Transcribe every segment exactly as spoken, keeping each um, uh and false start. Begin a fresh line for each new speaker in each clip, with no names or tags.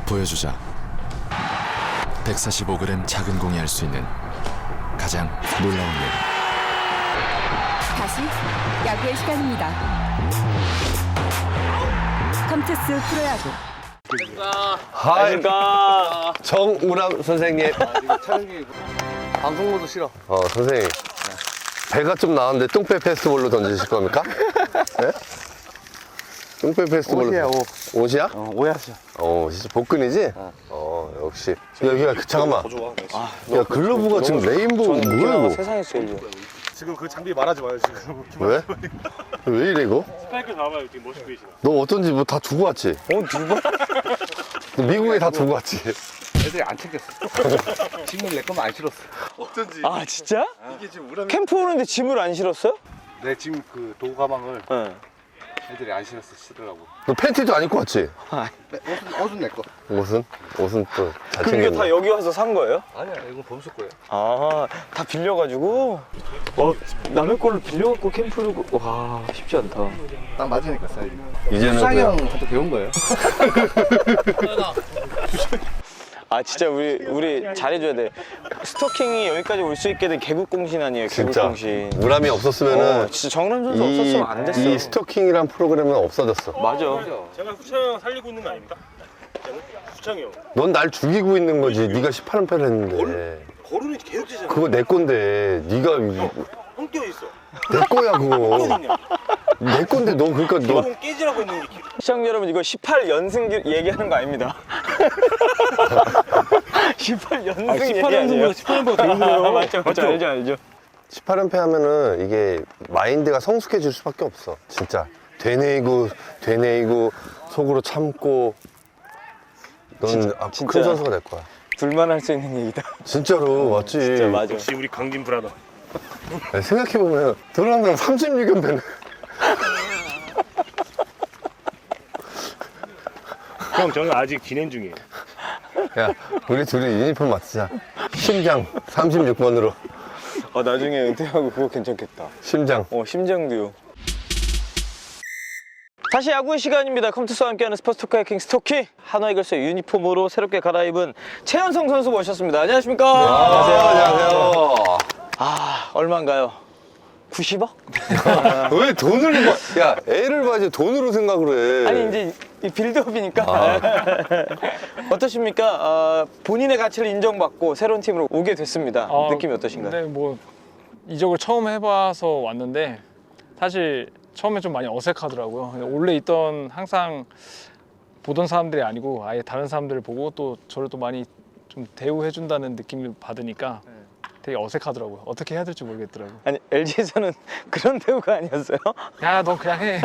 보여주자. 백사십오 그램 작은 공이 할 수 있는 가장 놀라운 일.
다시 야구의 시간입니다. 컴투스 프로야구.
하이, 정우람 선생님.
방송모드 싫어.
어, 선생님. 배가 좀 나왔는데 똥배 페스티벌로 던지실 겁니까? 네? 똥배 페스티벌로.
옷이야, 옷.
옷이야?
어, 오야시야.
어, 진짜 복근이지? 어, 역시. 야, 야, 잠깐만. 야, 글러브가 지금 레인보우 뭐야, 이거?
세상에서 제일 좋아.
지금 그 장비 말하지 마요 지금.
왜? 왜 이래, 이거?
스파이크 나와요 지금 멋있게 보이시나?
너 어떤지 뭐 다 두고 왔지?
어, 누가?
너 미국에 다 두고 왔지?
애들이 안 챙겼어. 짐을 내 거면 안 실었어.
어쩐지
아, 진짜?
이게 지금 우람이
캠프 오는데 짐을 안 실었어요?
내 지금 그 도구 가방을
네.
애들이 안 신었어 쓰더라고.
너 팬티도 안 입고 왔지?
옷은 옷은 내 거.
옷은? 옷은 또 잘
그게 다
챙겼네.
여기 와서 산 거예요?
아니야 이건 범수 거예요.
아, 다 빌려가지고? 어, 남의 거를 빌려갖고 캠프를, 가- 와, 쉽지 않다.
딱 맞으니까 사이즈.
이제는
수상이
그냥
형한테 배운 거예요.
아, 진짜 우리, 우리 잘해줘야 돼. 스토킹이 여기까지 올 수 있게 된 개국공신 아니에요,
진짜
개국공신.
우람이 없었으면은
어, 진짜 정남 선수
이,
없었으면 안 됐어.
이 스토킹이란 프로그램은 없어졌어.
맞아.
제가 후창 형 살리고 있는 거 아닙니까? 후창이 형.
넌 날 죽이고 있는 거지. 네가 십팔 연패를 했는데.
거름이 계속 되잖아.
그거 내 건데. 네가
형 뛰어 있어.
내 거야 그거. 내 건데 너 그러니까 너
형 깨지라고 있는 게.
시청자 여러분, 이거 십팔 연승 얘기하는 거 아닙니다. 십팔 연승 얘기
십팔
아니에요?
연승보다 십팔 연보다 더 힘들어요.
맞죠, 맞죠, 알죠, 알죠.
십팔 연패 하면은 이게 마인드가 성숙해질 수밖에 없어. 진짜. 되뇌이고 되뇌이고 속으로 참고 넌
진짜,
아,
진짜.
큰 선수가 될 거야.
불만할 수 있는 얘기다.
진짜로 맞지.
진짜 맞아.
역시 우리 강진 브라더.
생각해보면 도로람이랑 삼십육 연패는
형 저는 아직 진행 중이에요.
야 우리 둘이 유니폼 맞추자. 심장 삼십육 번으로.
어, 나중에 은퇴하고 그거 괜찮겠다.
심장.
어, 심장도요. 다시 야구의 시간입니다. 컴투스와 함께하는 스포츠 토크 해킹 스토킹. 한화이글스의 유니폼으로 새롭게 갈아입은 최현성 선수 모셨습니다. 안녕하십니까?
안녕하세요. 안녕하세요.
아, 얼마인가요? 구십억?
왜 돈을 봐? 야 애를 봐야지 돈으로 생각을 해.
아니, 이제 이 빌드업이니까.
아.
어떠십니까? 어, 본인의 가치를 인정받고 새로운 팀으로 오게 됐습니다.
아,
느낌이 어떠신가요?
근데 뭐 이적을 처음 해봐서 왔는데 사실 처음에 좀 많이 어색하더라고요. 근데 원래 있던 항상 보던 사람들이 아니고 아예 다른 사람들을 보고 또 저를 또 많이 좀 대우해준다는 느낌을 받으니까 되게 어색하더라고요. 어떻게 해야 될지 모르겠더라고요.
아니, 엘지에서는 그런 대우가 아니었어요?
야, 너 그냥 해.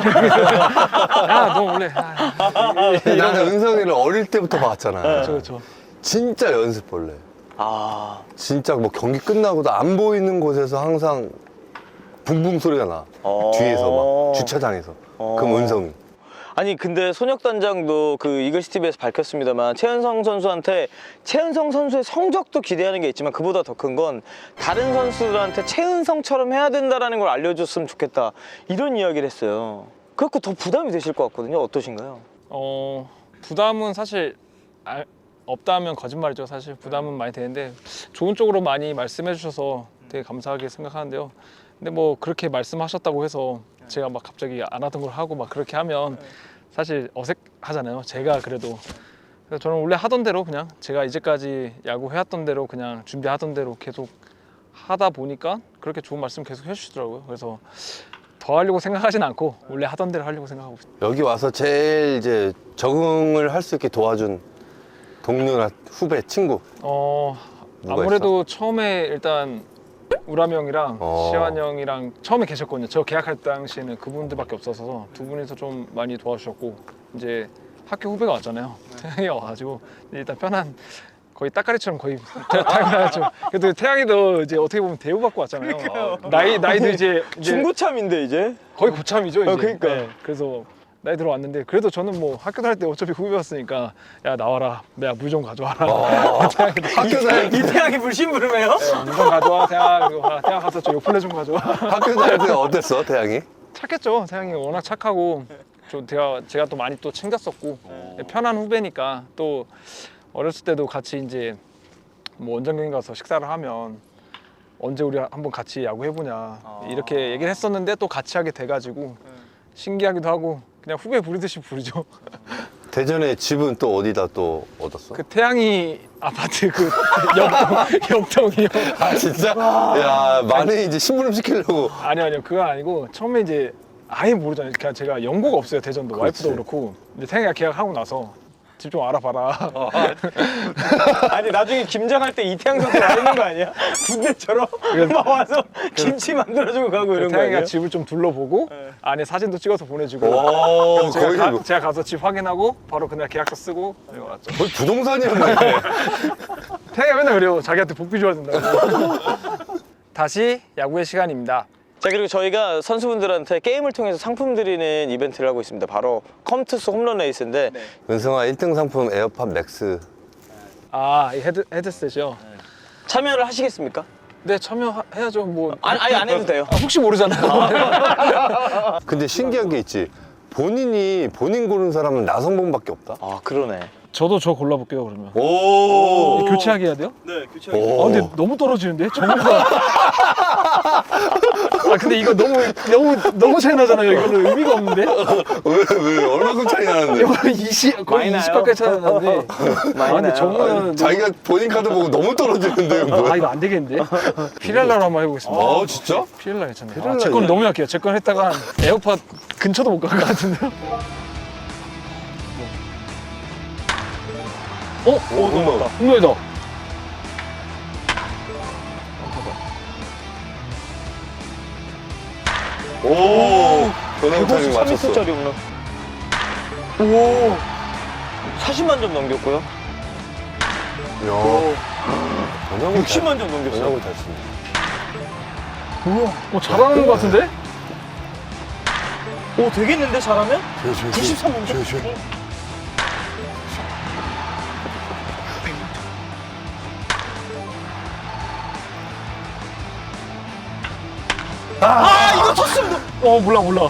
야, 너 원래. 아,
나는 은성이를 어릴 때부터 봤잖아.
그렇죠, 그렇죠.
진짜 연습벌레.
아,
진짜 뭐 경기 끝나고도 안 보이는 곳에서 항상 붕붕 소리가 나.
어.
뒤에서 막 주차장에서.
어.
그럼 은성이.
아니 근데 손혁 단장도 그 이글스 티비에서 밝혔습니다만 최은성 선수한테 최은성 선수의 성적도 기대하는 게 있지만 그보다 더 큰 건 다른 선수들한테 최은성처럼 해야 된다라는 걸 알려줬으면 좋겠다 이런 이야기를 했어요. 그래서 더 부담이 되실 것 같거든요. 어떠신가요?
어, 부담은 사실 알, 없다면 거짓말이죠. 사실 부담은 많이 되는데 좋은 쪽으로 많이 말씀해 주셔서 되게 감사하게 생각하는데요. 근데 뭐 그렇게 말씀하셨다고 해서 제가 막 갑자기 안 하던 걸 하고 막 그렇게 하면 사실 어색하잖아요. 제가 그래도. 그래서 저는 원래 하던 대로 그냥 제가 이제까지 야구 해왔던 대로 그냥 준비하던 대로 계속 하다 보니까 그렇게 좋은 말씀 계속 해주시더라고요. 그래서 더 하려고 생각하진 않고 원래 하던 대로 하려고 생각하고 있어요.
여기 와서 제일 이제 적응을 할 수 있게 도와준 동료나 후배, 친구.
어,
누가
아무래도 처음에 일단 우람이 형이랑
어.
시환 형이랑 처음에 계셨거든요. 저 계약할 당시에는 그분들밖에 없어서 두 분이서 좀 많이 도와주셨고 이제 학교 후배가 왔잖아요. 태양이 와가지고 일단 편한 거의 따까리처럼 거의 태양이죠. 그래도 태양이도 이제 어떻게 보면 대우받고 왔잖아요. 나이 나이도 이제, 이제
중고참인데 이제?
거의 고참이죠. 이제.
어, 그러니까.
네, 그래서 나이 들어왔는데 그래도 저는 뭐 학교 다닐 때 어차피 후배였으니까 야 나와라 내가 물 좀 가져와라. 태양이도
학교 다닐 때,
이태양이 불심부름해요?
물 좀 가져와 태양. 그리고 아, 태양 가서 저 요플레 좀 가져와.
학교 다닐 때 어땠어, 태양이?
착했죠. 태양이 워낙 착하고 좀 제가 제가 또 많이 또 챙겼었고 편한 후배니까 또 어렸을 때도 같이 이제 뭐 원정경 가서 식사를 하면 언제 우리 한번 같이 야구 해보냐 이렇게 얘기를 했었는데 또 같이 하게 돼가지고 신기하기도 하고 그냥 후배 부르듯이 부르죠.
대전에 집은 또 어디다 또 얻었어?
그 태양이 아파트 그 역동 역동이요.
아 진짜? 야 만에 이제 심부름 시키려고.
아니요 아니요 그건 아니고 처음에 이제 아예 모르잖아요. 그냥 제가 연고가 없어요 대전도.
그렇지.
와이프도 그렇고 이제 태양이가 계약하고 나서 집 좀 알아봐라.
아니 나중에 김장할 때 이태양 선수 와 있는 거 아니야? 군대처럼 막 와서 김치 만들어주고 가고 이런 거
태양이가
아니야?
집을 좀 둘러보고 안에 사진도 찍어서 보내주고
오
그래서 제가,
거의
가,
뭐,
제가 가서 집 확인하고 바로 그날 계약서 쓰고 그리고 왔죠.
거의 부동산이었네.
태양이가 맨날 그래요. 자기한테 복비 줘야 된다고. 다시 야구의 시간입니다.
자 그리고 저희가 선수분들한테 게임을 통해서 상품 드리는 이벤트를 하고 있습니다. 바로 컴투스 홈런 레이스인데
은성아 일 등 상품 에어팟 맥스.
아, 이 헤드, 헤드셋이요?
참여를 하시겠습니까?
네, 참여해야죠. 뭐
아니, 아니 안 해도 돼요.
아, 혹시 모르잖아요.
근데 신기한 게 있지. 본인이 본인 고른 사람은 나성범밖에 없다.
아 그러네.
저도 저 골라볼게요, 그러면.
오.
교체하게 해야 돼요?
네, 교체하기.
오.
아, 근데 너무 떨어지는데? 정보가. 아, 근데 이거 너무, 너무, 너무 차이 나잖아요. 이거는 의미가 없는데?
왜, 왜, 얼마큼 차이 나는데?
이거 이십, 거의
많이
이십
나요?
가까이 차이 나는데. 아, 근데
나요?
정보는.
자기가 본인 카드 보고 너무 떨어지는데,
아,
뭐야?
이거 안 되겠는데? 피렐라로 한번 해보겠습니다.
어, 진짜?
피렐라 괜찮네.
피렐라
아, 제 건 너무 약해요. 제 건 했다가 에어팟 근처도 못 갈 것 같은데요? 어?
오, 홈런.
홈런이다.
오. 변화구 타이밍
백오십삼
맞췄어.
미터짜리 홈런. 오. 사십만 점 넘겼고요.
야. 변화구
육십만 점 넘겼어요.
변화구 잘 치네.
우와, 어, 잘하는 것 같은데?
오 되겠는데 잘하면?
조용,
구십삼 점.
조용, 조용.
아 이거 쳤습니다.
어, 몰라, 몰라.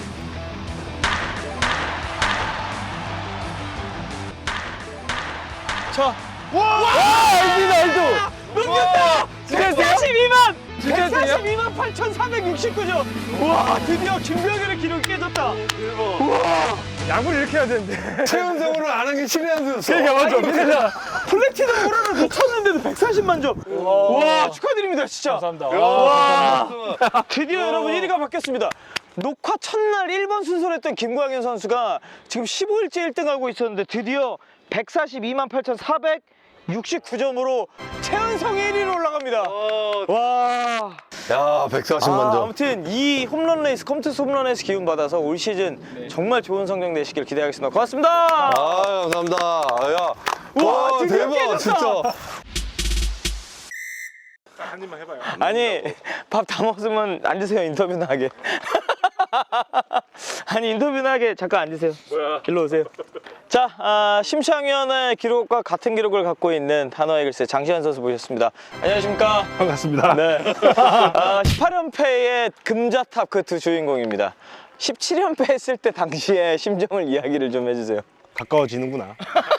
자. 와! 알도 알도. 넘겼다. 백사십이만. 백사십이만 팔천사백육십구 점. 와 드디어 김병현의 기록이 깨졌다.
야구를 이렇게 해야 되는데.
최은성으로 안 한 게 신의 한 수였어.
그러니까 맞죠. 그러니까.
플래티넘 호라를 놓쳤는데도 백사십만 점. 와 축하드립니다 진짜.
감사합니다.
와 드디어 여러분 일 위가 바뀌었습니다. 녹화 첫날 일 번 순서를 했던 김광현 선수가 지금 십오 일째 일 등 하고 있었는데 드디어 백사십이만 팔천사백육십구 점으로 최은성이 일 위로 올라갑니다. 와.
야, 백사십만
아,
점.
아무튼 이 홈런 레이스 컴투스 홈런 레이스 기운 받아서 올 시즌 정말 좋은 성적 내시길 기대하겠습니다. 고맙습니다.
아, 감사합니다. 야.
우와,
와,
드디어
대박,
깨졌다.
진짜.
한 입만 해봐요.
아니 밥 다 먹었으면 앉으세요. 인터뷰나 하게. 아니 인터뷰나 하게 잠깐 앉으세요.
뭐야?
일로 오세요. 자 아, 심창위원의 기록과 같은 기록을 갖고 있는 한화이글스의 장시환 선수 모셨습니다. 안녕하십니까?
반갑습니다.
네. 아, 십팔 연패의 금자탑 그 두 주인공입니다. 십칠 연패 했을 때 당시의 심정을 이야기를 좀 해주세요.
가까워지는구나.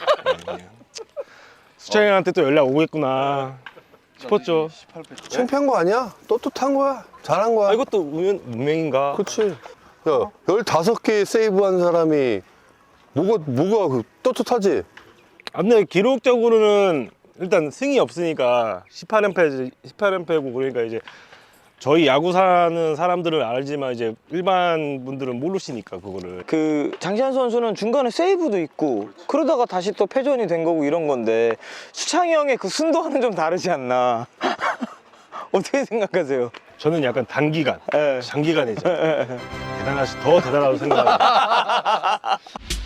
수창이한테 또 연락 오겠구나 싶었죠.
창피한 거 아니야? 떳떳한 거야. 잘한 거야.
아, 이것도 운명, 운명인가?
그렇지. 야, 열다섯 개 세이브한 사람이 뭐가 뭐가 그 떳떳하지?
아, 근데 기록적으로는 일단 승이 없으니까 십팔 연패, 십팔 연패고 그러니까 이제 저희 야구 사는 사람들은 알지만 이제 일반 분들은 모르시니까 그거를.
그 장시환 선수는 중간에 세이브도 있고 그러다가 다시 또 패전이 된 거고 이런 건데 수창이 형의 그 순도와는 좀 다르지 않나. 어떻게 생각하세요?
저는 약간 단기간,
예.
장기간이죠. 대단하시, 더 대단하다고 생각합니다.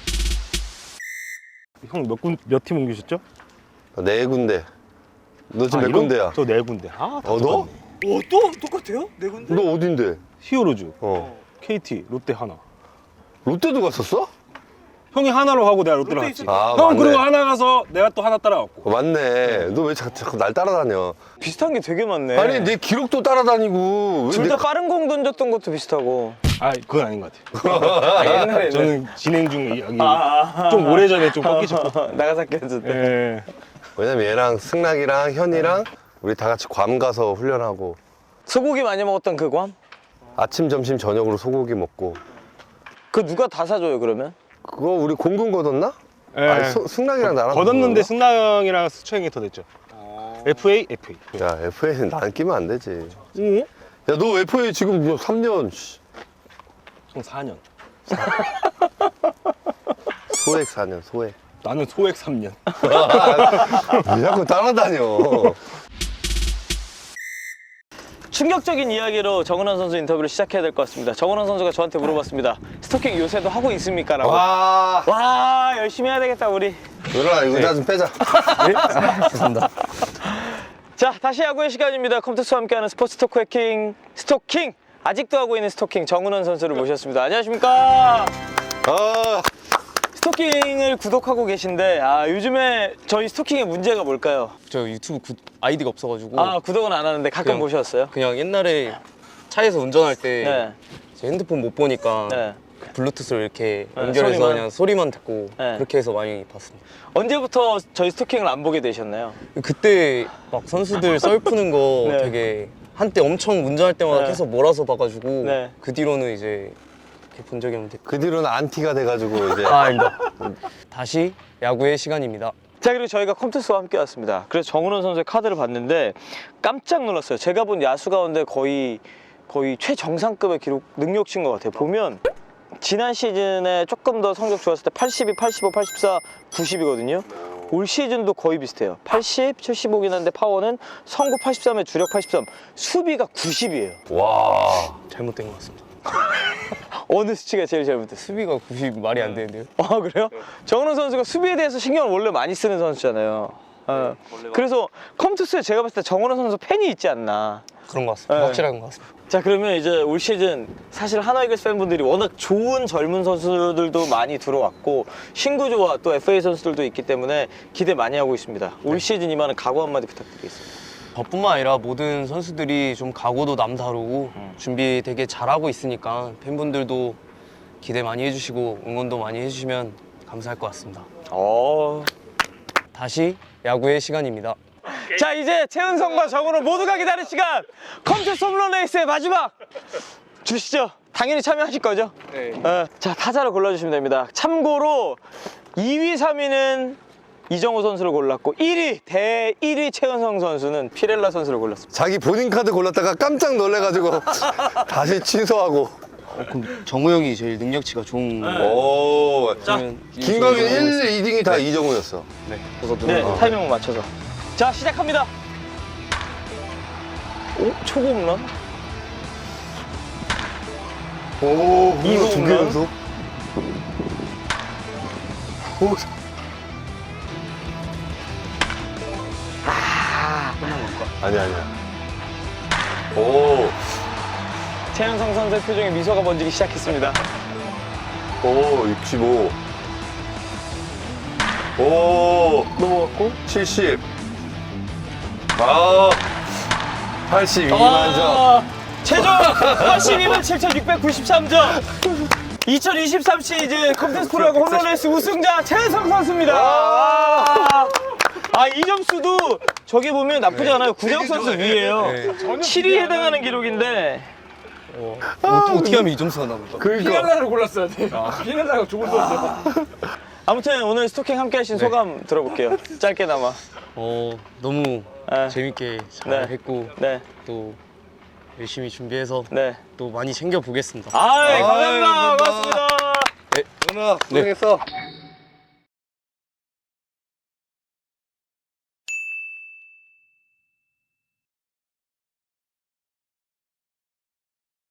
형 몇 군, 몇 팀 옮기셨죠?
네 군데. 너 지금 몇
이런-
군데야?
저 네 군데. 아, 다
어, 너?
똑같네.
오, 또 똑같아요? 네 군데?
너 어딘데?
히어로즈,
어.
케이티, 롯데 하나.
롯데도 갔었어?
형이 하나로 하고 내가 롯데로 갔지.
아,
형
맞네.
그리고 하나 가서 내가 또 하나 따라갔고.
어, 맞네. 너 왜 자꾸, 자꾸 날 따라다녀?
비슷한 게 되게 많네.
아니, 내 기록도 따라다니고. 왜
둘
내-
다 빠른 공 던졌던 것도 비슷하고.
아 그건 아닌 것 같아요.
옛날에
저는 진행 중 이야기
아,
좀 오래전에 좀 꺾이셨고.
나가사키 했을 때.
예.
왜냐면 얘랑 승락이랑 현이랑 우리 다 같이 괌 가서 훈련하고
소고기 많이 먹었던 그 괌?
아침, 점심, 저녁으로 소고기 먹고
그 누가 다 사줘요 그러면?
그거 우리 공군 거뒀나?
예.
아니, 소- 승락이랑 나랑
걷었는데
거뒀나?
승나 형이랑 수초 형이 더 됐죠. 에프에이, 에프에이.
야 에프에이는 나는 끼면 안 되지.
응?
야 너 에프에이 지금 뭐 삼 년
총 사 년.
소액 사 년 소액.
나는 소액 삼 년.
왜 자꾸 따라다녀.
충격적인 이야기로 정은원 선수 인터뷰를 시작해야 될 것 같습니다. 정은원 선수가 저한테 물어봤습니다. 스토킹 요새도 하고 있습니까? 라고. 와,
와
열심히 해야 되겠다 우리.
누나 의자 좀 빼자.
자, 다시 야구의 시간입니다. 컴투스와 함께하는 스포츠 토크 해킹 스토킹. 아직도 하고 있는 스토킹 정은원 선수를 모셨습니다. 안녕하십니까?
아
스토킹을 구독하고 계신데 아, 요즘에 저희 스토킹의 문제가 뭘까요?
저 유튜브 구- 아이디가 없어가지고
아, 구독은 안 하는데 가끔
그냥-
보셨어요?
그냥 옛날에 차에서 운전할 때
네.
제 핸드폰 못 보니까
네.
그 블루투스로 이렇게
네,
연결해서
소리만?
그냥 소리만 듣고
네.
그렇게 해서 많이 봤습니다.
언제부터 저희 스토킹을 안 보게 되셨나요?
그때 막 선수들 썰 푸는 거
네.
되게 한때 엄청 운전할 때마다
네.
계속 몰아서 봐가지고
네.
그 뒤로는 이제 이렇게 본 적이 없는데
그 뒤로는 안티가 돼가지고 이제
아 아닙니다. 다시 야구의 시간입니다.
자, 그리고 저희가 컴투스와 함께 왔습니다. 그래서 정은원 선수의 카드를 봤는데 깜짝 놀랐어요. 제가 본 야수 가운데 거의 거의 최정상급의 기록 능력치인 것 같아요. 보면 지난 시즌에 조금 더 성적 좋았을 때 팔십이, 팔십오, 팔십사, 구십이거든요. 올 시즌도 거의 비슷해요. 팔십, 칠십오긴 한데 파워는 성구 팔십삼에 주력 팔십삼, 수비가 구십이에요.
와
잘못된 것 같습니다.
어느 수치가 제일 잘못됐어요?
수비가 구십 말이 안 되는데요.
아, 그래요? 정은원 선수가 수비에 대해서 신경을 원래 많이 쓰는 선수잖아요. 어. 그래서 컴투스에 제가 봤을 때 정은원 선수 팬이 있지 않나.
그런 것 같습니다.
네.
확실한 것 같습니다.
자, 그러면 이제 올 시즌 사실 하나 이글스 팬분들이 워낙 좋은 젊은 선수들도 많이 들어왔고 신구조와 또 에프에이 선수들도 있기 때문에 기대 많이 하고 있습니다. 올 시즌 이만한 각오 한마디 부탁드리겠습니다.
저뿐만 아니라 모든 선수들이 좀 각오도 남다르고 준비 되게 잘하고 있으니까 팬분들도 기대 많이 해주시고 응원도 많이 해주시면 감사할 것 같습니다.
어...
다시 야구의 시간입니다.
자, 이제 최은성과 정은원 모두가 기다린 시간 컴투스 홈런 레이스의 마지막 주시죠. 당연히 참여하실 거죠? 네. 어, 자, 타자를 골라주시면 됩니다. 참고로 이 위, 삼 위는 이정우 선수를 골랐고 일 위, 대 일 위 최은성 선수는 피렐라 선수를 골랐습니다.
자기 본인 카드 골랐다가 깜짝 놀래가지고 다시 취소하고.
그럼 정우 형이 제일 능력치가 좋은
오.
그러면
김광현
이정우
일, 이 등이 다 이정우였어.
네.
네, 타이밍을 맞춰서. 자, 시작합니다. 오, 초구 홈런.
오,
이거
두개
홈런?
연속. 오, 아니야 아니야. 오,
최은성 선수의 표정에 미소가 번지기 시작했습니다.
오, 육십오. 오,
넘어갔고.
칠십. 아, 팔십이만 점.
아, 최종 팔십이만 칠천육백구십삼 점. 이천이십삼 시즌 컴투스 프로야구 홈런레이스 우승자 최은성 선수입니다. 아, 아, 이 점수도 저기 보면 나쁘지 않아요. 구재욱 선수 위에요. 칠 위에 해당하는 기록인데.
어, 어떻게 하면 이 점수가 나올까?
그러니까.
골랐어야 돼. 피렐라가 좋은 선수.
아무튼 오늘 스토킹 함께 하신 소감 들어볼게요. 짧게나마.
어 너무
네.
재밌게 잘
네.
했고
네,
또 열심히 준비해서
네.
또 많이 챙겨 보겠습니다.
아, 감사합니다.
아이,
고맙습니다.
누나, 고생했어.